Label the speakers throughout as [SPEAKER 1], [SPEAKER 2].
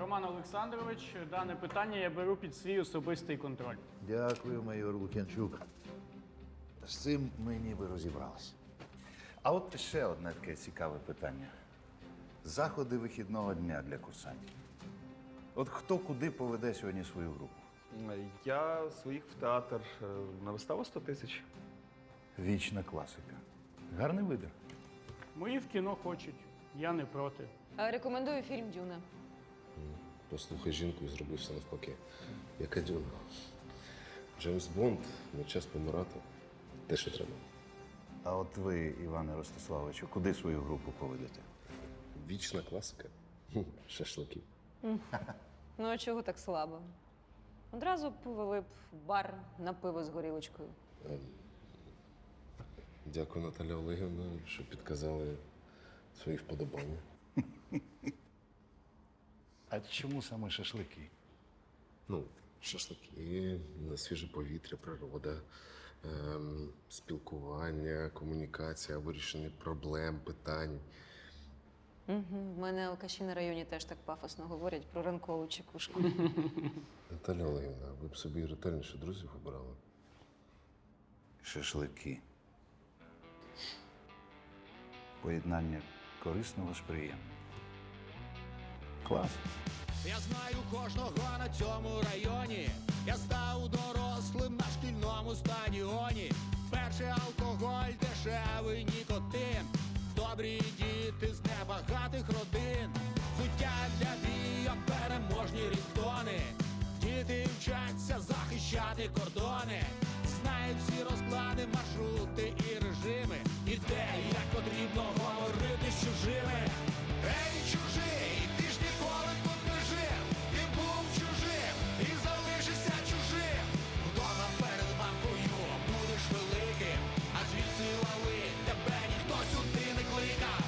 [SPEAKER 1] Роман Олександрович, дане питання я беру під свій особистий контроль.
[SPEAKER 2] Дякую, майор Лук'янчук. З цим ми ніби розібралися. А от ще одне таке цікаве питання. Заходи вихідного дня для курсантів. От хто куди поведе сьогодні свою групу?
[SPEAKER 3] Я своїх в театр на виставу 100 тисяч.
[SPEAKER 2] Вічна класика. Гарний вибір.
[SPEAKER 1] Мої в кіно хочуть, я не проти.
[SPEAKER 4] Рекомендую фільм «Дюна».
[SPEAKER 5] Послухай жінку і зроби все навпаки. Яка Дюна. Джеймс Бонд, не час помирати. Те, що треба.
[SPEAKER 2] А от ви, Іване Ростиславовичу, куди свою групу поведете?
[SPEAKER 5] Вічна класика. Шашлики.
[SPEAKER 4] Ну, а чого так слабо? Одразу повели б в бар на пиво з горілочкою.
[SPEAKER 5] Дякую, Наталя Олегівна, що підказали свої вподобання.
[SPEAKER 2] А чому саме шашлики?
[SPEAKER 5] Ну, шашлики, на свіже повітря, природа, спілкування, комунікація, вирішення проблем, питань.
[SPEAKER 4] В мене алкаші на районі теж так пафосно говорять про ранкову чекушку.
[SPEAKER 5] Наталя Олегівна, ви б собі ретельніше друзів обирали.
[SPEAKER 2] Шашлики. Поєднання корисного з приємним. Клас.
[SPEAKER 6] Я знаю кожного на цьому районі. Я став дорослим на шкільному стадіоні. Перший алкоголь, дешевий нікотин. Добрі діти з небагатих родин. Взуття для бійок, переможні рінгтони. Діти вчаться захищати кордони. Знають всі розклади, маршрути і режими. І де, і як потрібно говорити з чужими. Ей, чужий, ти ж ніколи тут не жив. Ти був чужим і залишишся чужим. Вдома перед банкою будеш великим, а звідси лали тебе ніхто сюди не кликав.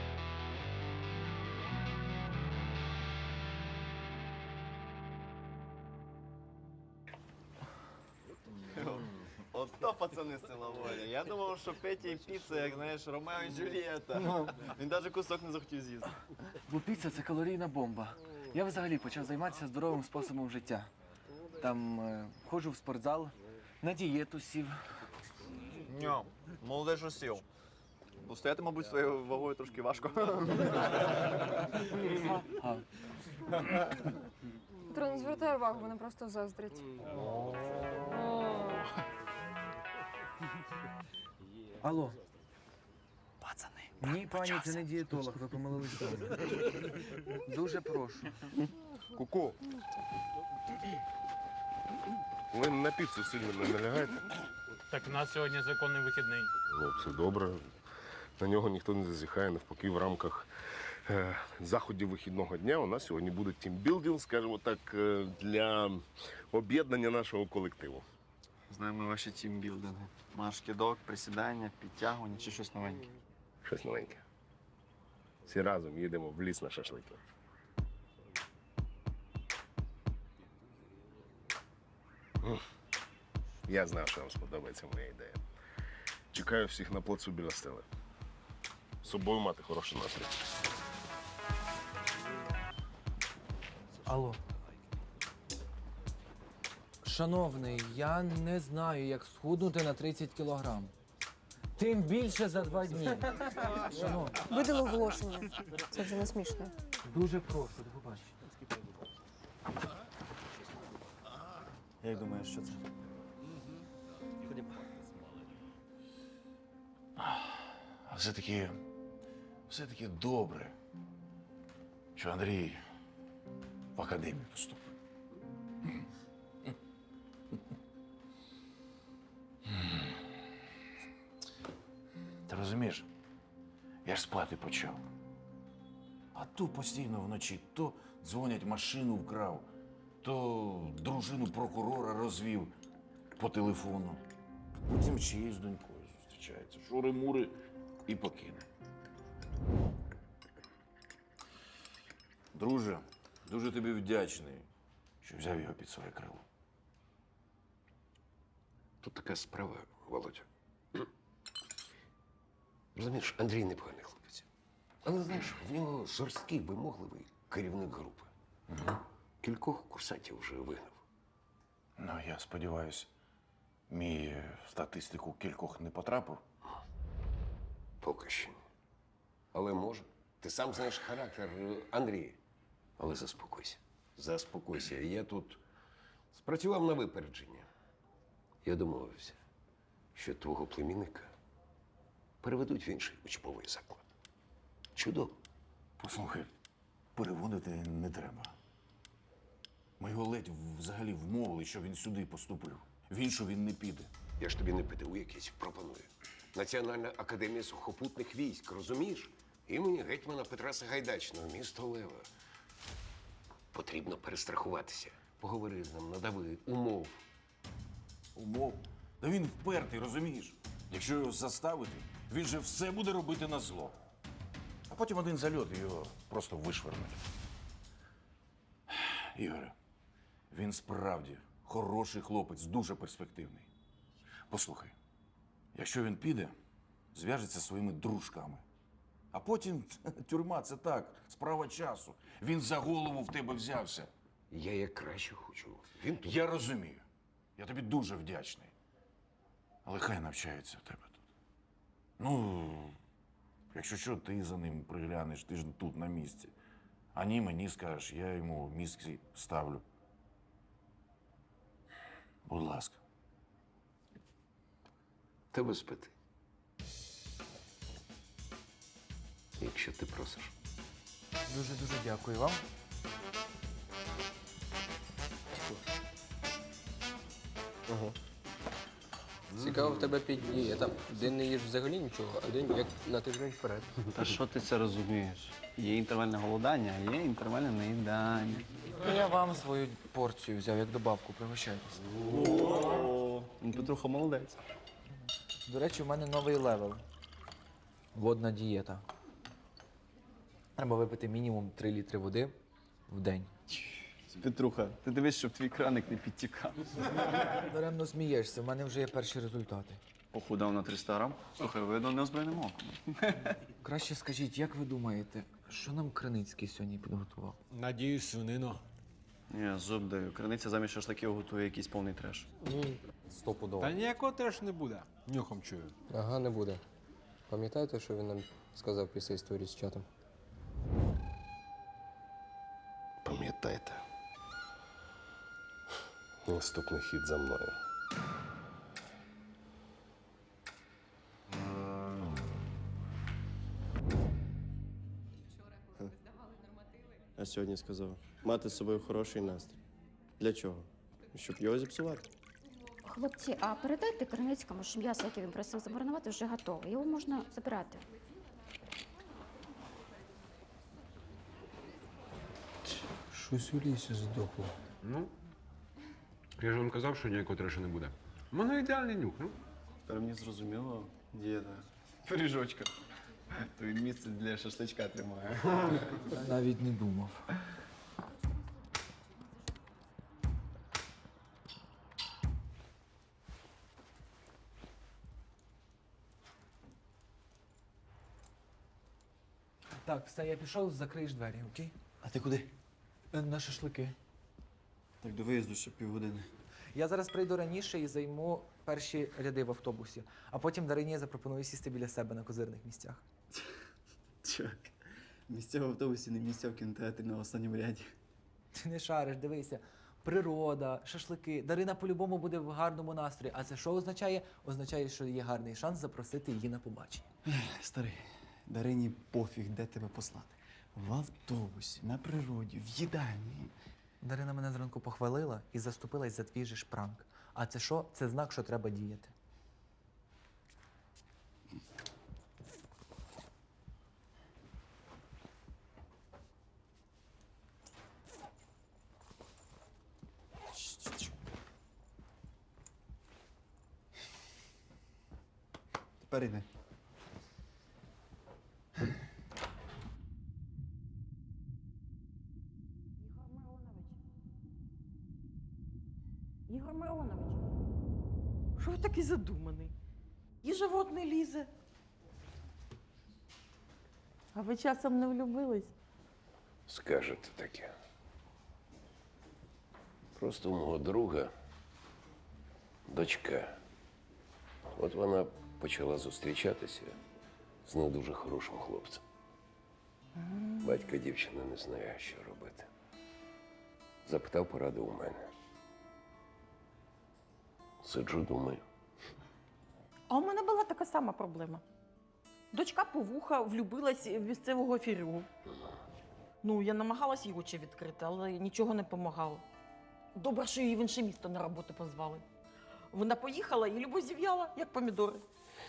[SPEAKER 7] Ото пацани з села Воля. Я думав, що Петя і піца, як знаєш, Ромео і Джульєта. Він навіть кусок не захотів з'їсти.
[SPEAKER 8] Бо піца – це калорійна бомба. Я взагалі почав займатися здоровим способом життя. Там ходжу в спортзал, на дієту сів.
[SPEAKER 7] Ньо, молодий, що сів. Бо стояти, мабуть, своєю вагою трошки важко.
[SPEAKER 9] Петро, не звертай увагу, вони просто заздрять.
[SPEAKER 8] Алло. Пацани. Ні, пані, це не дієтолог, ви помилились вдома. Дуже прошу.
[SPEAKER 5] Ку-ку. Ви на піцу сильно не налягайте.
[SPEAKER 1] Так у нас сьогодні законний вихідний.
[SPEAKER 5] Ну, це добре. На нього ніхто не зазіхає, навпаки, в рамках заходів вихідного дня у нас сьогодні буде тімбілдинг, скажімо так, для об'єднання нашого колективу.
[SPEAKER 7] Знаємо ваші тімбілдинги. Марш-кидок, присідання, підтягування чи щось новеньке.
[SPEAKER 5] Щось новеньке. Всі разом їдемо в ліс на шашлики. Я знав, що вам сподобається моя ідея. Чекаю всіх на плацу біля стели. З собою мати хороший настрій.
[SPEAKER 8] Алло. Шановний, я не знаю, як схуднути на 30 кілограм. Тим більше за 2 дні. Шановний,
[SPEAKER 9] Видали оголошення. Це вже не смішно.
[SPEAKER 8] дуже прошу, до побачення.
[SPEAKER 7] Як думаєш, що це?
[SPEAKER 2] А все-таки добре, що Андрій в академію поступив. Ти розумієш, я ж спати почав. А то постійно вночі то дзвонять, машину вкрав, то дружину прокурора розвів по телефону. Потім чиєю з донькою зустрічається. Шури-мури і покине. Друже, дуже тобі вдячний, що взяв його під своє крило.
[SPEAKER 5] Тут така справа, Володя. Розумієш, Андрій непоганий хлопець. Але знаєш, в нього жорсткий, вимогливий керівник групи.
[SPEAKER 10] Кількох курсантів вже вигнав.
[SPEAKER 2] Ну, я сподіваюся, мій в статистику кількох не потрапив.
[SPEAKER 10] Поки що ні. Але може. Ти сам знаєш характер Андрія. Але заспокойся. Заспокойся. Я тут спрацював на випередження. Я домовився, що твого племінника переведуть в інший учбовий заклад. Чудово.
[SPEAKER 2] Послухай, переводити не треба. Ми його ледь взагалі вмовили, що він сюди поступив. В іншу він не піде.
[SPEAKER 10] Я ж тобі не ПТУ якийсь пропоную. Національна академія сухопутних військ, розумієш? Імені гетьмана Петра Сагайдачного, місто Лева. Потрібно перестрахуватися. Поговори з ним, надави умов.
[SPEAKER 2] Умов. Та він впертий, розумієш? Якщо його заставити, він же все буде робити на зло. А потім один зальот і його просто вишвернуть. Ігоре, він справді хороший хлопець, дуже перспективний. Послухай, якщо він піде, зв'яжеться зі своїми дружками. А потім тюрма – це так, справа часу. Він за голову в тебе взявся.
[SPEAKER 10] Я як краще хочу. Він тут.
[SPEAKER 2] Я розумію. Я тобі дуже вдячний. Але хай навчається в тебе тут. Ну, якщо що, ти за ним приглянеш, ти ж тут на місці. А ні, мені скажеш, я йому мізки ставлю. Будь ласка.
[SPEAKER 10] Та без питань. Якщо ти просиш.
[SPEAKER 8] Дуже-дуже дякую вам.
[SPEAKER 11] Цікаво, в тебе дієта. День не їж взагалі нічого, а день як на тиждень вперед.
[SPEAKER 1] Та що ти це розумієш? Є інтервальне голодання, а є інтервальне наїдання.
[SPEAKER 8] Я вам свою порцію взяв як добавку, пригощайтесь.
[SPEAKER 1] О, Петруха молодець.
[SPEAKER 8] До речі, у мене новий левел. Водна дієта. Треба випити мінімум 3 літри води в день.
[SPEAKER 1] Петруха, ти дивись, щоб твій краник не підтікав.
[SPEAKER 8] Даремно смієшся, в мене вже є перші результати.
[SPEAKER 1] Похудав на 300 грам. Слухай, видно неозброєним оком.
[SPEAKER 8] Краще скажіть, як ви думаєте, що нам Криницький сьогодні підготував?
[SPEAKER 6] Надіюсь, свинину.
[SPEAKER 1] Я зуб даю. Криниця замість шашликів готує якийсь повний треш.
[SPEAKER 11] Стопудово.
[SPEAKER 6] Та ніякого теж не буде. Нюхом чую.
[SPEAKER 11] Ага, не буде. Пам'ятаєте, що він нам сказав після історії з чатом?
[SPEAKER 10] Пам'ятайте. Наступний хід за мною.
[SPEAKER 12] А сьогодні сказав, мати з собою хороший настрій. Для чого? Щоб його зіпсувати.
[SPEAKER 13] Хлопці, а передайте Криницькому, що м'ясо, яке він просив замаринувати, вже готове. Його можна забирати.
[SPEAKER 6] Щось у лісі здохло. Ну, я ж вам казав, що ніякого трешу не буде. У мене ідеальний нюх, ну.
[SPEAKER 7] Тепер мені зрозуміло, діда. Пиріжочка. То він місце для шашличка тримає.
[SPEAKER 8] Навіть не думав. Так, все, я пішов, закриєш двері, окей?
[SPEAKER 7] А ти куди?
[SPEAKER 8] На шашлики.
[SPEAKER 7] Так до виїзду ще півгодини.
[SPEAKER 8] Я зараз прийду раніше і займу перші ряди в автобусі, а потім Дарині запропоную сісти біля себе на козирних місцях.
[SPEAKER 7] Чувак, місця в автобусі, не місця в кінотеатрі на останньому ряді.
[SPEAKER 8] Ти не шариш, дивися. Природа, шашлики. Дарина по-любому буде в гарному настрої. А це що означає? Означає, що є гарний шанс запросити її на побачення.
[SPEAKER 7] Старий, Дарині пофіг, де тебе послати. В автобусі, на природі, в їдальні.
[SPEAKER 8] Дарина мене зранку похвалила і заступилась за твій же ж пранк. А це що? Це знак, що треба діяти.
[SPEAKER 7] Тепер іди.
[SPEAKER 9] Ігор Миронович, що ви такий задуманий? І живот не лізе. А ви часом не влюбились?
[SPEAKER 10] Скажете таке. Просто у мого друга дочка. От вона почала зустрічатися з не дуже хорошим хлопцем. Батько дівчини не знає, що робити. Запитав поради у мене. Сиджу, думаю.
[SPEAKER 9] А у мене була така сама проблема. Дочка по вуха влюбилась в місцевого фірю. Ну, я намагалась їй очі відкрити, але нічого не допомагало. Добре, що її в інше місто на роботу позвали. Вона поїхала і любов зів'яла, як помідори.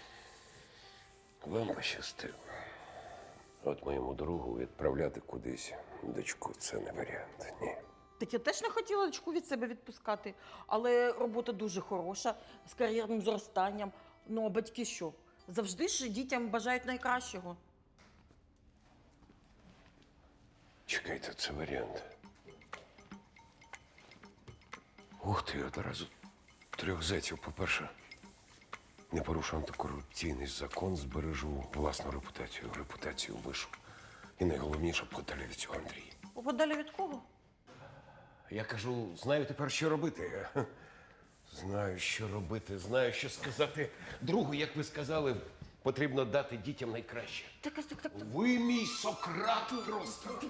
[SPEAKER 10] Вам пощастило. От моєму другу відправляти кудись дочку – це не варіант. Ні.
[SPEAKER 9] Так я теж не хотіла дочку від себе відпускати, але робота дуже хороша, з кар'єрним зростанням. Ну, а батьки що? Завжди ж дітям бажають найкращого.
[SPEAKER 10] Чекайте, це варіант. Ух ти, одразу 3 зайців. По-перше, не порушу антикорупційний закон, збережу власну репутацію вишу. І найголовніше, подалі від цього Андрія.
[SPEAKER 9] Подалі від кого?
[SPEAKER 10] Я кажу, знаю тепер, що робити. Знаю, що робити, знаю, що сказати. Другу, як ви сказали, потрібно дати дітям найкраще.
[SPEAKER 9] Так.
[SPEAKER 10] Ви мій Сократ просто.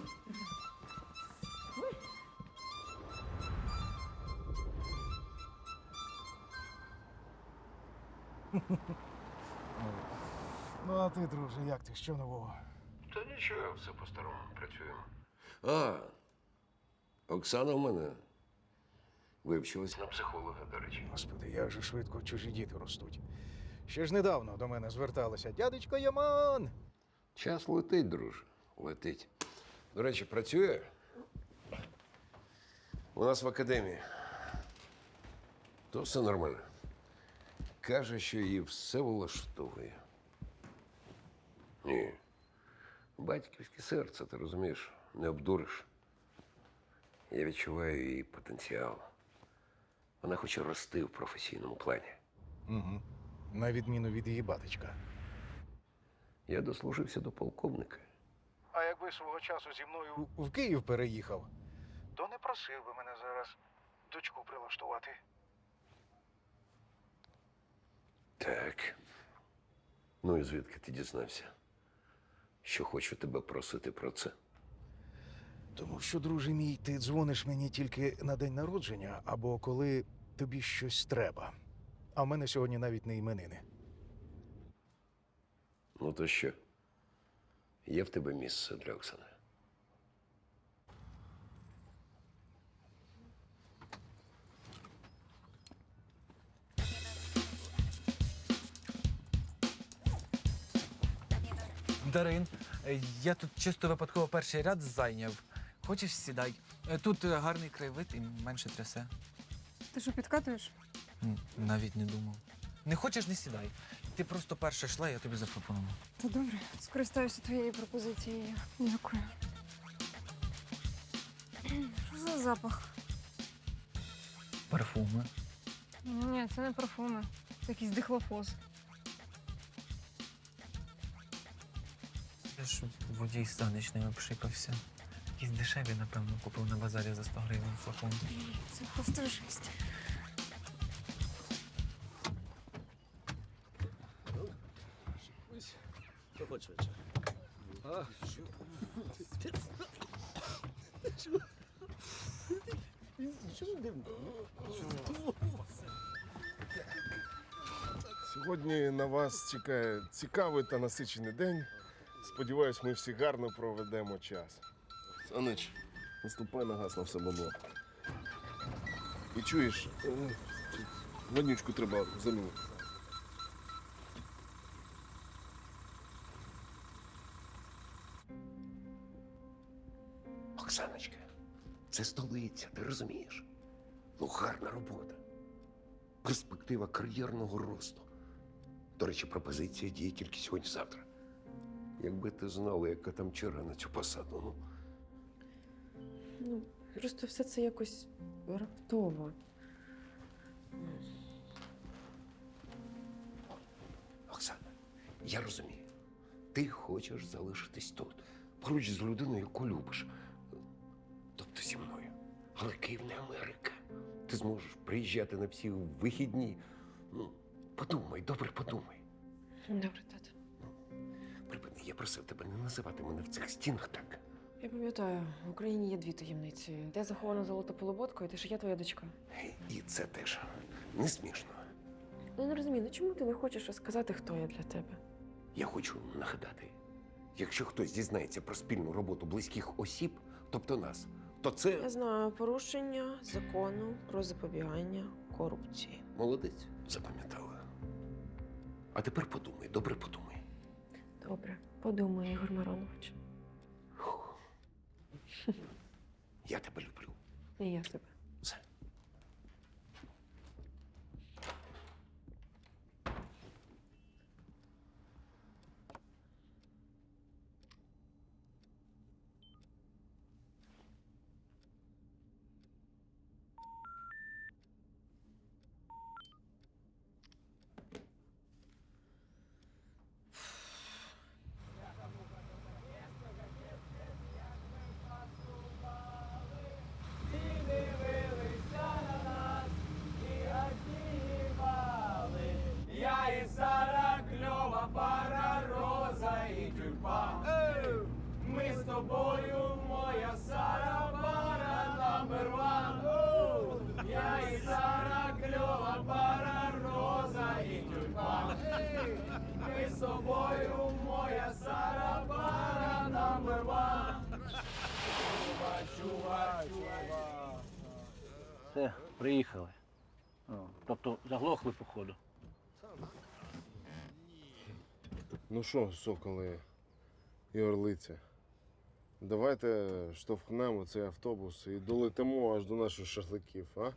[SPEAKER 14] Ну, а ти, друже, як ти? Що нового?
[SPEAKER 10] Та нічого, все по-старому працюємо. А, Оксана в мене вивчилась на психолога, до речі.
[SPEAKER 14] Господи, як же швидко чужі діти ростуть. Ще ж недавно до мене зверталися. Дядечко Яман!
[SPEAKER 10] Час летить, друже, летить. До речі, працює у нас в академії. То все нормально. Каже, що її все влаштовує. Ні. Батьківське серце, ти розумієш, не обдуриш. Я відчуваю її потенціал. Вона хоче рости в професійному плані.
[SPEAKER 14] Угу. На відміну від її батечка.
[SPEAKER 10] Я дослужився до полковника.
[SPEAKER 14] А якби свого часу зі мною в Київ переїхав, то не просив би мене зараз дочку прилаштувати.
[SPEAKER 10] Так. Ну і звідки ти дізнався, що хочу тебе просити про це?
[SPEAKER 14] Тому що, друже мій, ти дзвониш мені тільки на день народження або коли тобі щось треба. А в мене сьогодні навіть не іменини.
[SPEAKER 10] Ну то що? Є в тебе місце для Оксани?
[SPEAKER 8] Дарин, я тут чисто випадково перший ряд зайняв. Хочеш, сідай. Тут гарний краєвид і менше трясе.
[SPEAKER 15] Ти що, підкатуєш?
[SPEAKER 8] Навіть не думав. Не хочеш, не сідай. Ти просто перша йшла, я тобі запропонував.
[SPEAKER 15] Та добре, скористаюся твоєю пропозицією. Дякую. Що за запах?
[SPEAKER 8] Парфуми.
[SPEAKER 15] Ні, це не парфуми. Це якийсь дихлофоз.
[SPEAKER 8] Я ж водій станичний обшикався. Якісь дешеві, напевно, купив на базарі за 100 гривень флакон.
[SPEAKER 15] Це просто жесть.
[SPEAKER 5] Сьогодні на вас чекає цікавий та насичений день. Сподіваюсь, ми всі гарно проведемо час. Санич, наступай на газ на все бабло. І чуєш, воднючку треба замінити.
[SPEAKER 10] Оксаночка, це столиця, ти розумієш? Ну, гарна робота. Перспектива кар'єрного росту. До речі, пропозиція діє тільки сьогодні-завтра. Якби ти знала, яка там черга на цю посаду, ну.
[SPEAKER 16] Ну, просто все це якось раптово.
[SPEAKER 10] Оксана, я розумію. Ти хочеш залишитись тут, поруч з людиною, яку любиш. Тобто зі мною. Але Київ не Америка. Ти зможеш приїжджати на всі вихідні. Ну, подумай, добре подумай.
[SPEAKER 16] Добре, тато.
[SPEAKER 10] Припини, я просив тебе не називати мене в цих стінах так.
[SPEAKER 16] Я пам'ятаю, в Україні є дві таємниці. Де захована золота полуботка, і те, що я твоя дочка.
[SPEAKER 10] І це теж не смішно.
[SPEAKER 16] Ну, я не розумію, ну чому ти не хочеш розказати, хто я для тебе?
[SPEAKER 10] Я хочу нагадати, якщо хтось дізнається про спільну роботу близьких осіб, тобто нас, то це
[SPEAKER 16] Я знаю порушення закону про запобігання корупції.
[SPEAKER 10] молодець, запам'ятала. А тепер подумай, добре подумай.
[SPEAKER 16] Добре, подумай, Ігор Миронович.
[SPEAKER 10] Я тебе люблю.
[SPEAKER 16] І я тебе.
[SPEAKER 10] Все.
[SPEAKER 6] Я і Сара, кльова пара, роза і тюльпан. Ми з тобою, моя Сара, пара номер ван. Я і Сара, кльова пара, роза і тюльпан. Ми з тобою, моя Сара, пара номер ван. Чува, чува, чува.
[SPEAKER 17] Все, приїхали. Тобто заглохли, походу.
[SPEAKER 5] Ну що, соколи і орлиця, давайте штовхнемо цей автобус і долетимо аж до наших шашликів, а?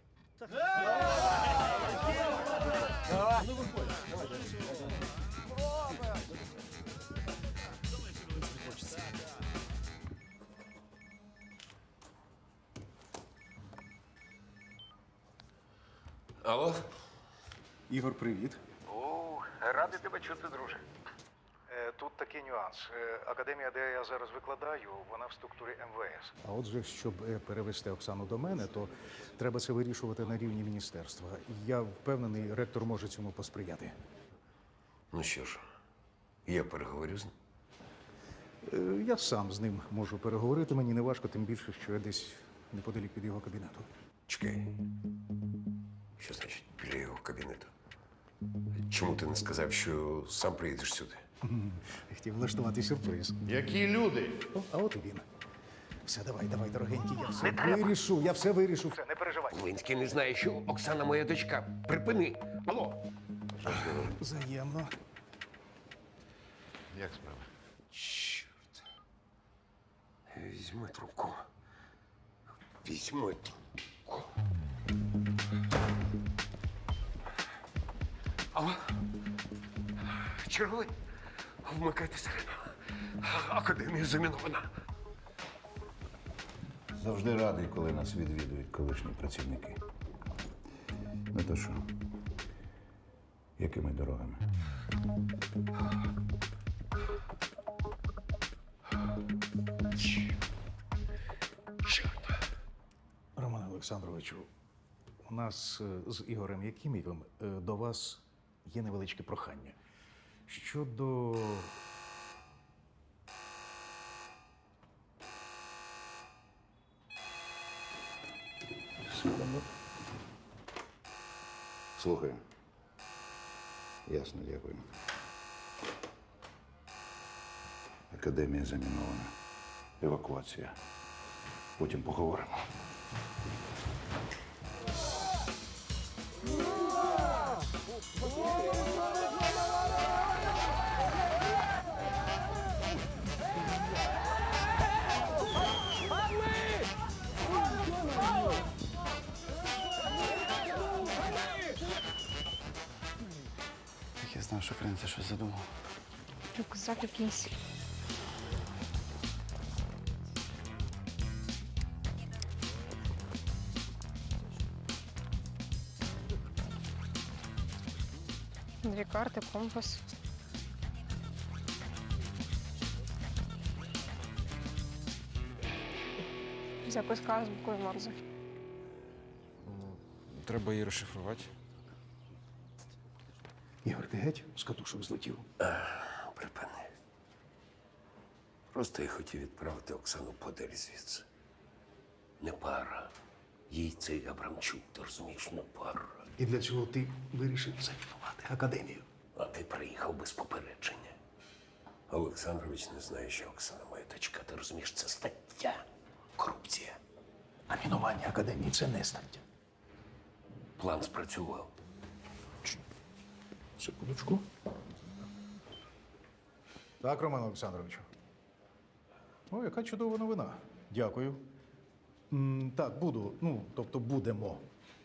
[SPEAKER 10] Алло?
[SPEAKER 14] Ігор, привіт.
[SPEAKER 18] Радий тебе чути, друже. Тут такий нюанс. Академія, де я зараз викладаю, вона в структурі МВС.
[SPEAKER 14] А отже, щоб перевести Оксану до мене, то треба це вирішувати на рівні міністерства. Я впевнений, ректор може цьому посприяти.
[SPEAKER 10] Ну що ж, я переговорю з ним.
[SPEAKER 14] Я сам з ним можу переговорити. Мені не важко, тим більше, що я десь неподалік від його кабінету.
[SPEAKER 10] Чекай. Що значить біля його кабінету? Чому ти не сказав, що сам приїдеш сюди?
[SPEAKER 14] Хотів влаштувати сюрприз.
[SPEAKER 10] Які люди?
[SPEAKER 14] А от і він. Все, давай, дорогенький, я все вирішу, я все вирішу.
[SPEAKER 18] Все, не переживай.
[SPEAKER 10] Волинський не знає, що Оксана моя дочка. Припини. Алло.
[SPEAKER 14] Взаємно.
[SPEAKER 2] Як справа?
[SPEAKER 10] Чорт. Візьми трубку. Візьми трубку. Алло. Черговий. Вмикайте сирену. Академія замінована.
[SPEAKER 2] Завжди радий, коли нас відвідують колишні працівники. Не то що. Якими дорогами?
[SPEAKER 14] Роман Олександровичу, у нас з Ігорем Якимівим до вас є невеличке прохання. Щодо
[SPEAKER 2] Слухаю. Ясно, дякую. Академія замінована. Евакуація. Потім поговоримо.
[SPEAKER 1] Так я знав, що Криниця щось задумав.
[SPEAKER 15] Рюкзак якийсь. Дві карти, компас. Записка з буквою Морзе.
[SPEAKER 2] треба її розшифрувати.
[SPEAKER 14] Ігор, ти геть з катушок злетів?
[SPEAKER 10] Припини. Просто я хотів відправити Оксану подалі звідси. Не пара. Їй цей Абрамчук, ти розумієш, не пара.
[SPEAKER 14] І для цього ти вирішив замінувати академію.
[SPEAKER 10] А ти приїхав без попередження. Олександрович не знає, що Оксана моя дочка. Ти розумієш, це стаття. Корупція.
[SPEAKER 14] А мінування академії це не стаття.
[SPEAKER 10] План спрацював.
[SPEAKER 14] Секундочку. Так, Роман Олександровичу. О, яка чудова новина. Дякую. Так, буду. Тобто будемо.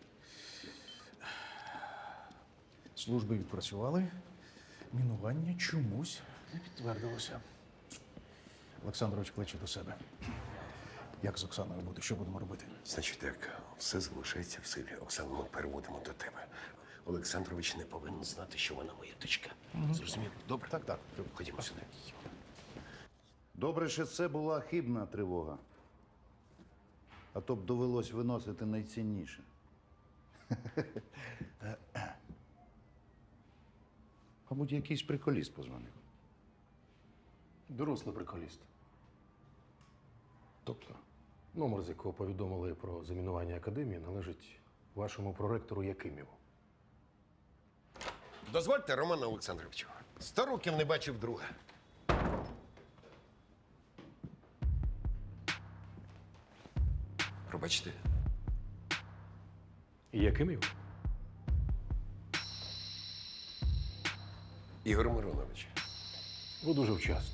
[SPEAKER 14] Служби відпрацювали. Мінування чомусь не підтвердилося. Олександрович кличе до себе. Як з Оксаною буде? Що будемо робити?
[SPEAKER 10] Значить так, все залишається в силі. Оксану ми переводимо до тебе. Олександрович не повинен знати, що вона моя дочка. Зрозуміло? Добре?
[SPEAKER 14] Так.
[SPEAKER 10] Ходімо сюди.
[SPEAKER 19] Добре, що це була хибна тривога. А то б довелось виносити найцінніше. Мабуть, якийсь приколіст позвонив.
[SPEAKER 20] Дорослий приколіст.
[SPEAKER 14] Тобто?
[SPEAKER 20] Номер, з якого повідомили про замінування академії, належить вашому проректору Якиміву.
[SPEAKER 10] Дозвольте, Роман Олександровичу. 100 років не бачив друга. Пробачте.
[SPEAKER 20] Якимів?
[SPEAKER 10] Ігор Миронович.
[SPEAKER 20] Ви дуже вчасно.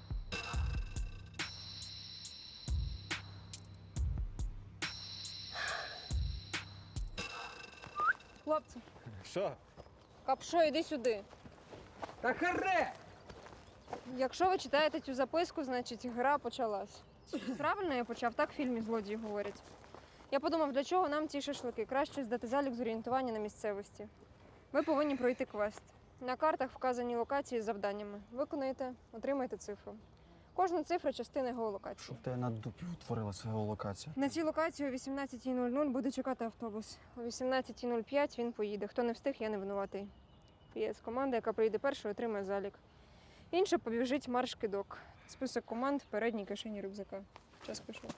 [SPEAKER 4] Хлопці,
[SPEAKER 11] Що?
[SPEAKER 4] Капшо, іди сюди.
[SPEAKER 11] Та харе!
[SPEAKER 4] Якщо ви читаєте цю записку, значить гра почалась. Правильно я почав, так в фільмі злодії говорять. Я подумав, для чого нам ці шашлики? Краще здати залік з орієнтування на місцевості. Ви повинні пройти квест. На картах вказані локації з завданнями. Виконаєте, отримаєте цифру. Кожна цифра – частина геолокації.
[SPEAKER 1] Щоб тебе на дупі утворилася геолокація.
[SPEAKER 4] На цій локації о 18:00 буде чекати автобус. О 18:05 він поїде. Хто не встиг, я не винуватий. ПС команда, яка приїде першою, отримає залік. Інша побіжить марш-кидок. Список команд в передній кишені рюкзака. Час пішов.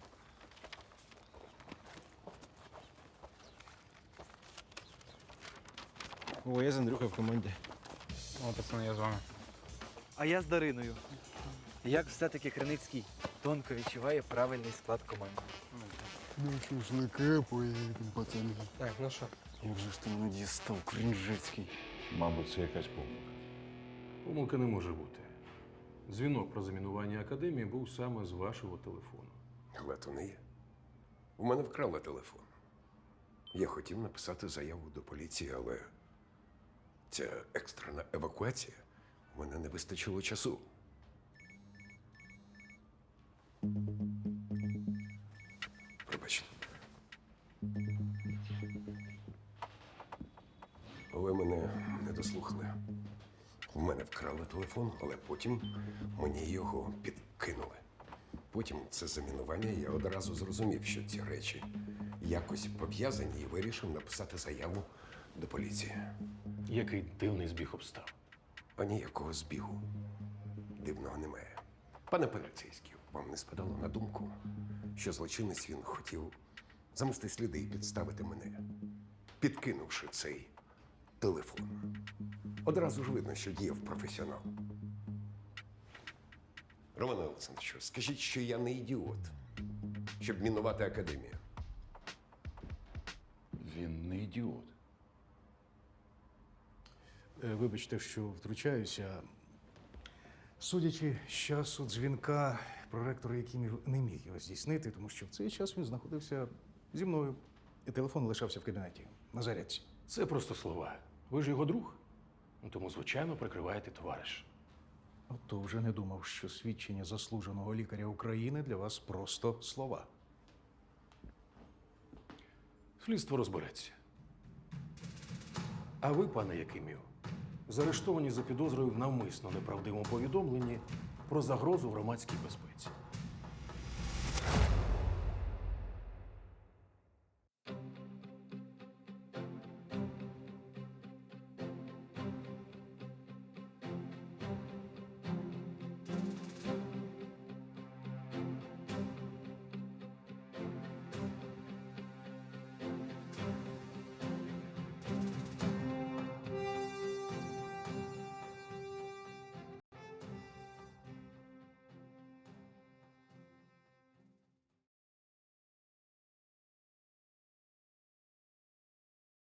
[SPEAKER 11] О, я з Андрюхою в команді.
[SPEAKER 1] О, пацани, я з вами.
[SPEAKER 8] А я з Дариною. Як все-таки Криницький тонко відчуває правильний склад команди.
[SPEAKER 1] Ну, шашлики поїдемо, пацани.
[SPEAKER 11] Так, ну що?
[SPEAKER 1] Як же ж ти мене дістав, Кринжицький?
[SPEAKER 2] Мабуть, це якась помилка.
[SPEAKER 20] Помилки не може бути. Дзвінок про замінування академії був саме з вашого телефону.
[SPEAKER 10] Але то не є. У мене вкрали телефон. Я хотів написати заяву до поліції, але ця екстрена евакуація, у мене не вистачило часу. Пробачте. Ви мене не дослухали. У мене вкрали телефон, але потім мені його підкинули. Потім це замінування, я одразу зрозумів, що ці речі якось пов'язані і вирішив написати заяву до поліції.
[SPEAKER 20] Який дивний збіг обстав.
[SPEAKER 10] А ніякого збігу дивного немає. Пане поліцейський, вам не спадало на думку, що злочинець він хотів замести сліди і підставити мене, підкинувши цей телефон. Одразу ж видно, що діяв професіонал. Романе Олександровичу, скажіть, що я не ідіот, щоб мінувати академію.
[SPEAKER 2] Він не ідіот.
[SPEAKER 14] Вибачте, що втручаюся. Судячи з часу дзвінка, проректор Якимів не міг його здійснити, тому що в цей час він знаходився зі мною. І телефон лишався в кабінеті на зарядці.
[SPEAKER 20] Це просто слова. Ви ж його друг. Ну, тому, звичайно, прикриваєте товариш.
[SPEAKER 14] Ото вже не думав, що свідчення заслуженого лікаря України для вас просто слова.
[SPEAKER 20] Слідство розбереться. А ви, пане Якимів, заарештовані за підозрою в навмисно неправдивому повідомленні про загрозу громадській безпеці.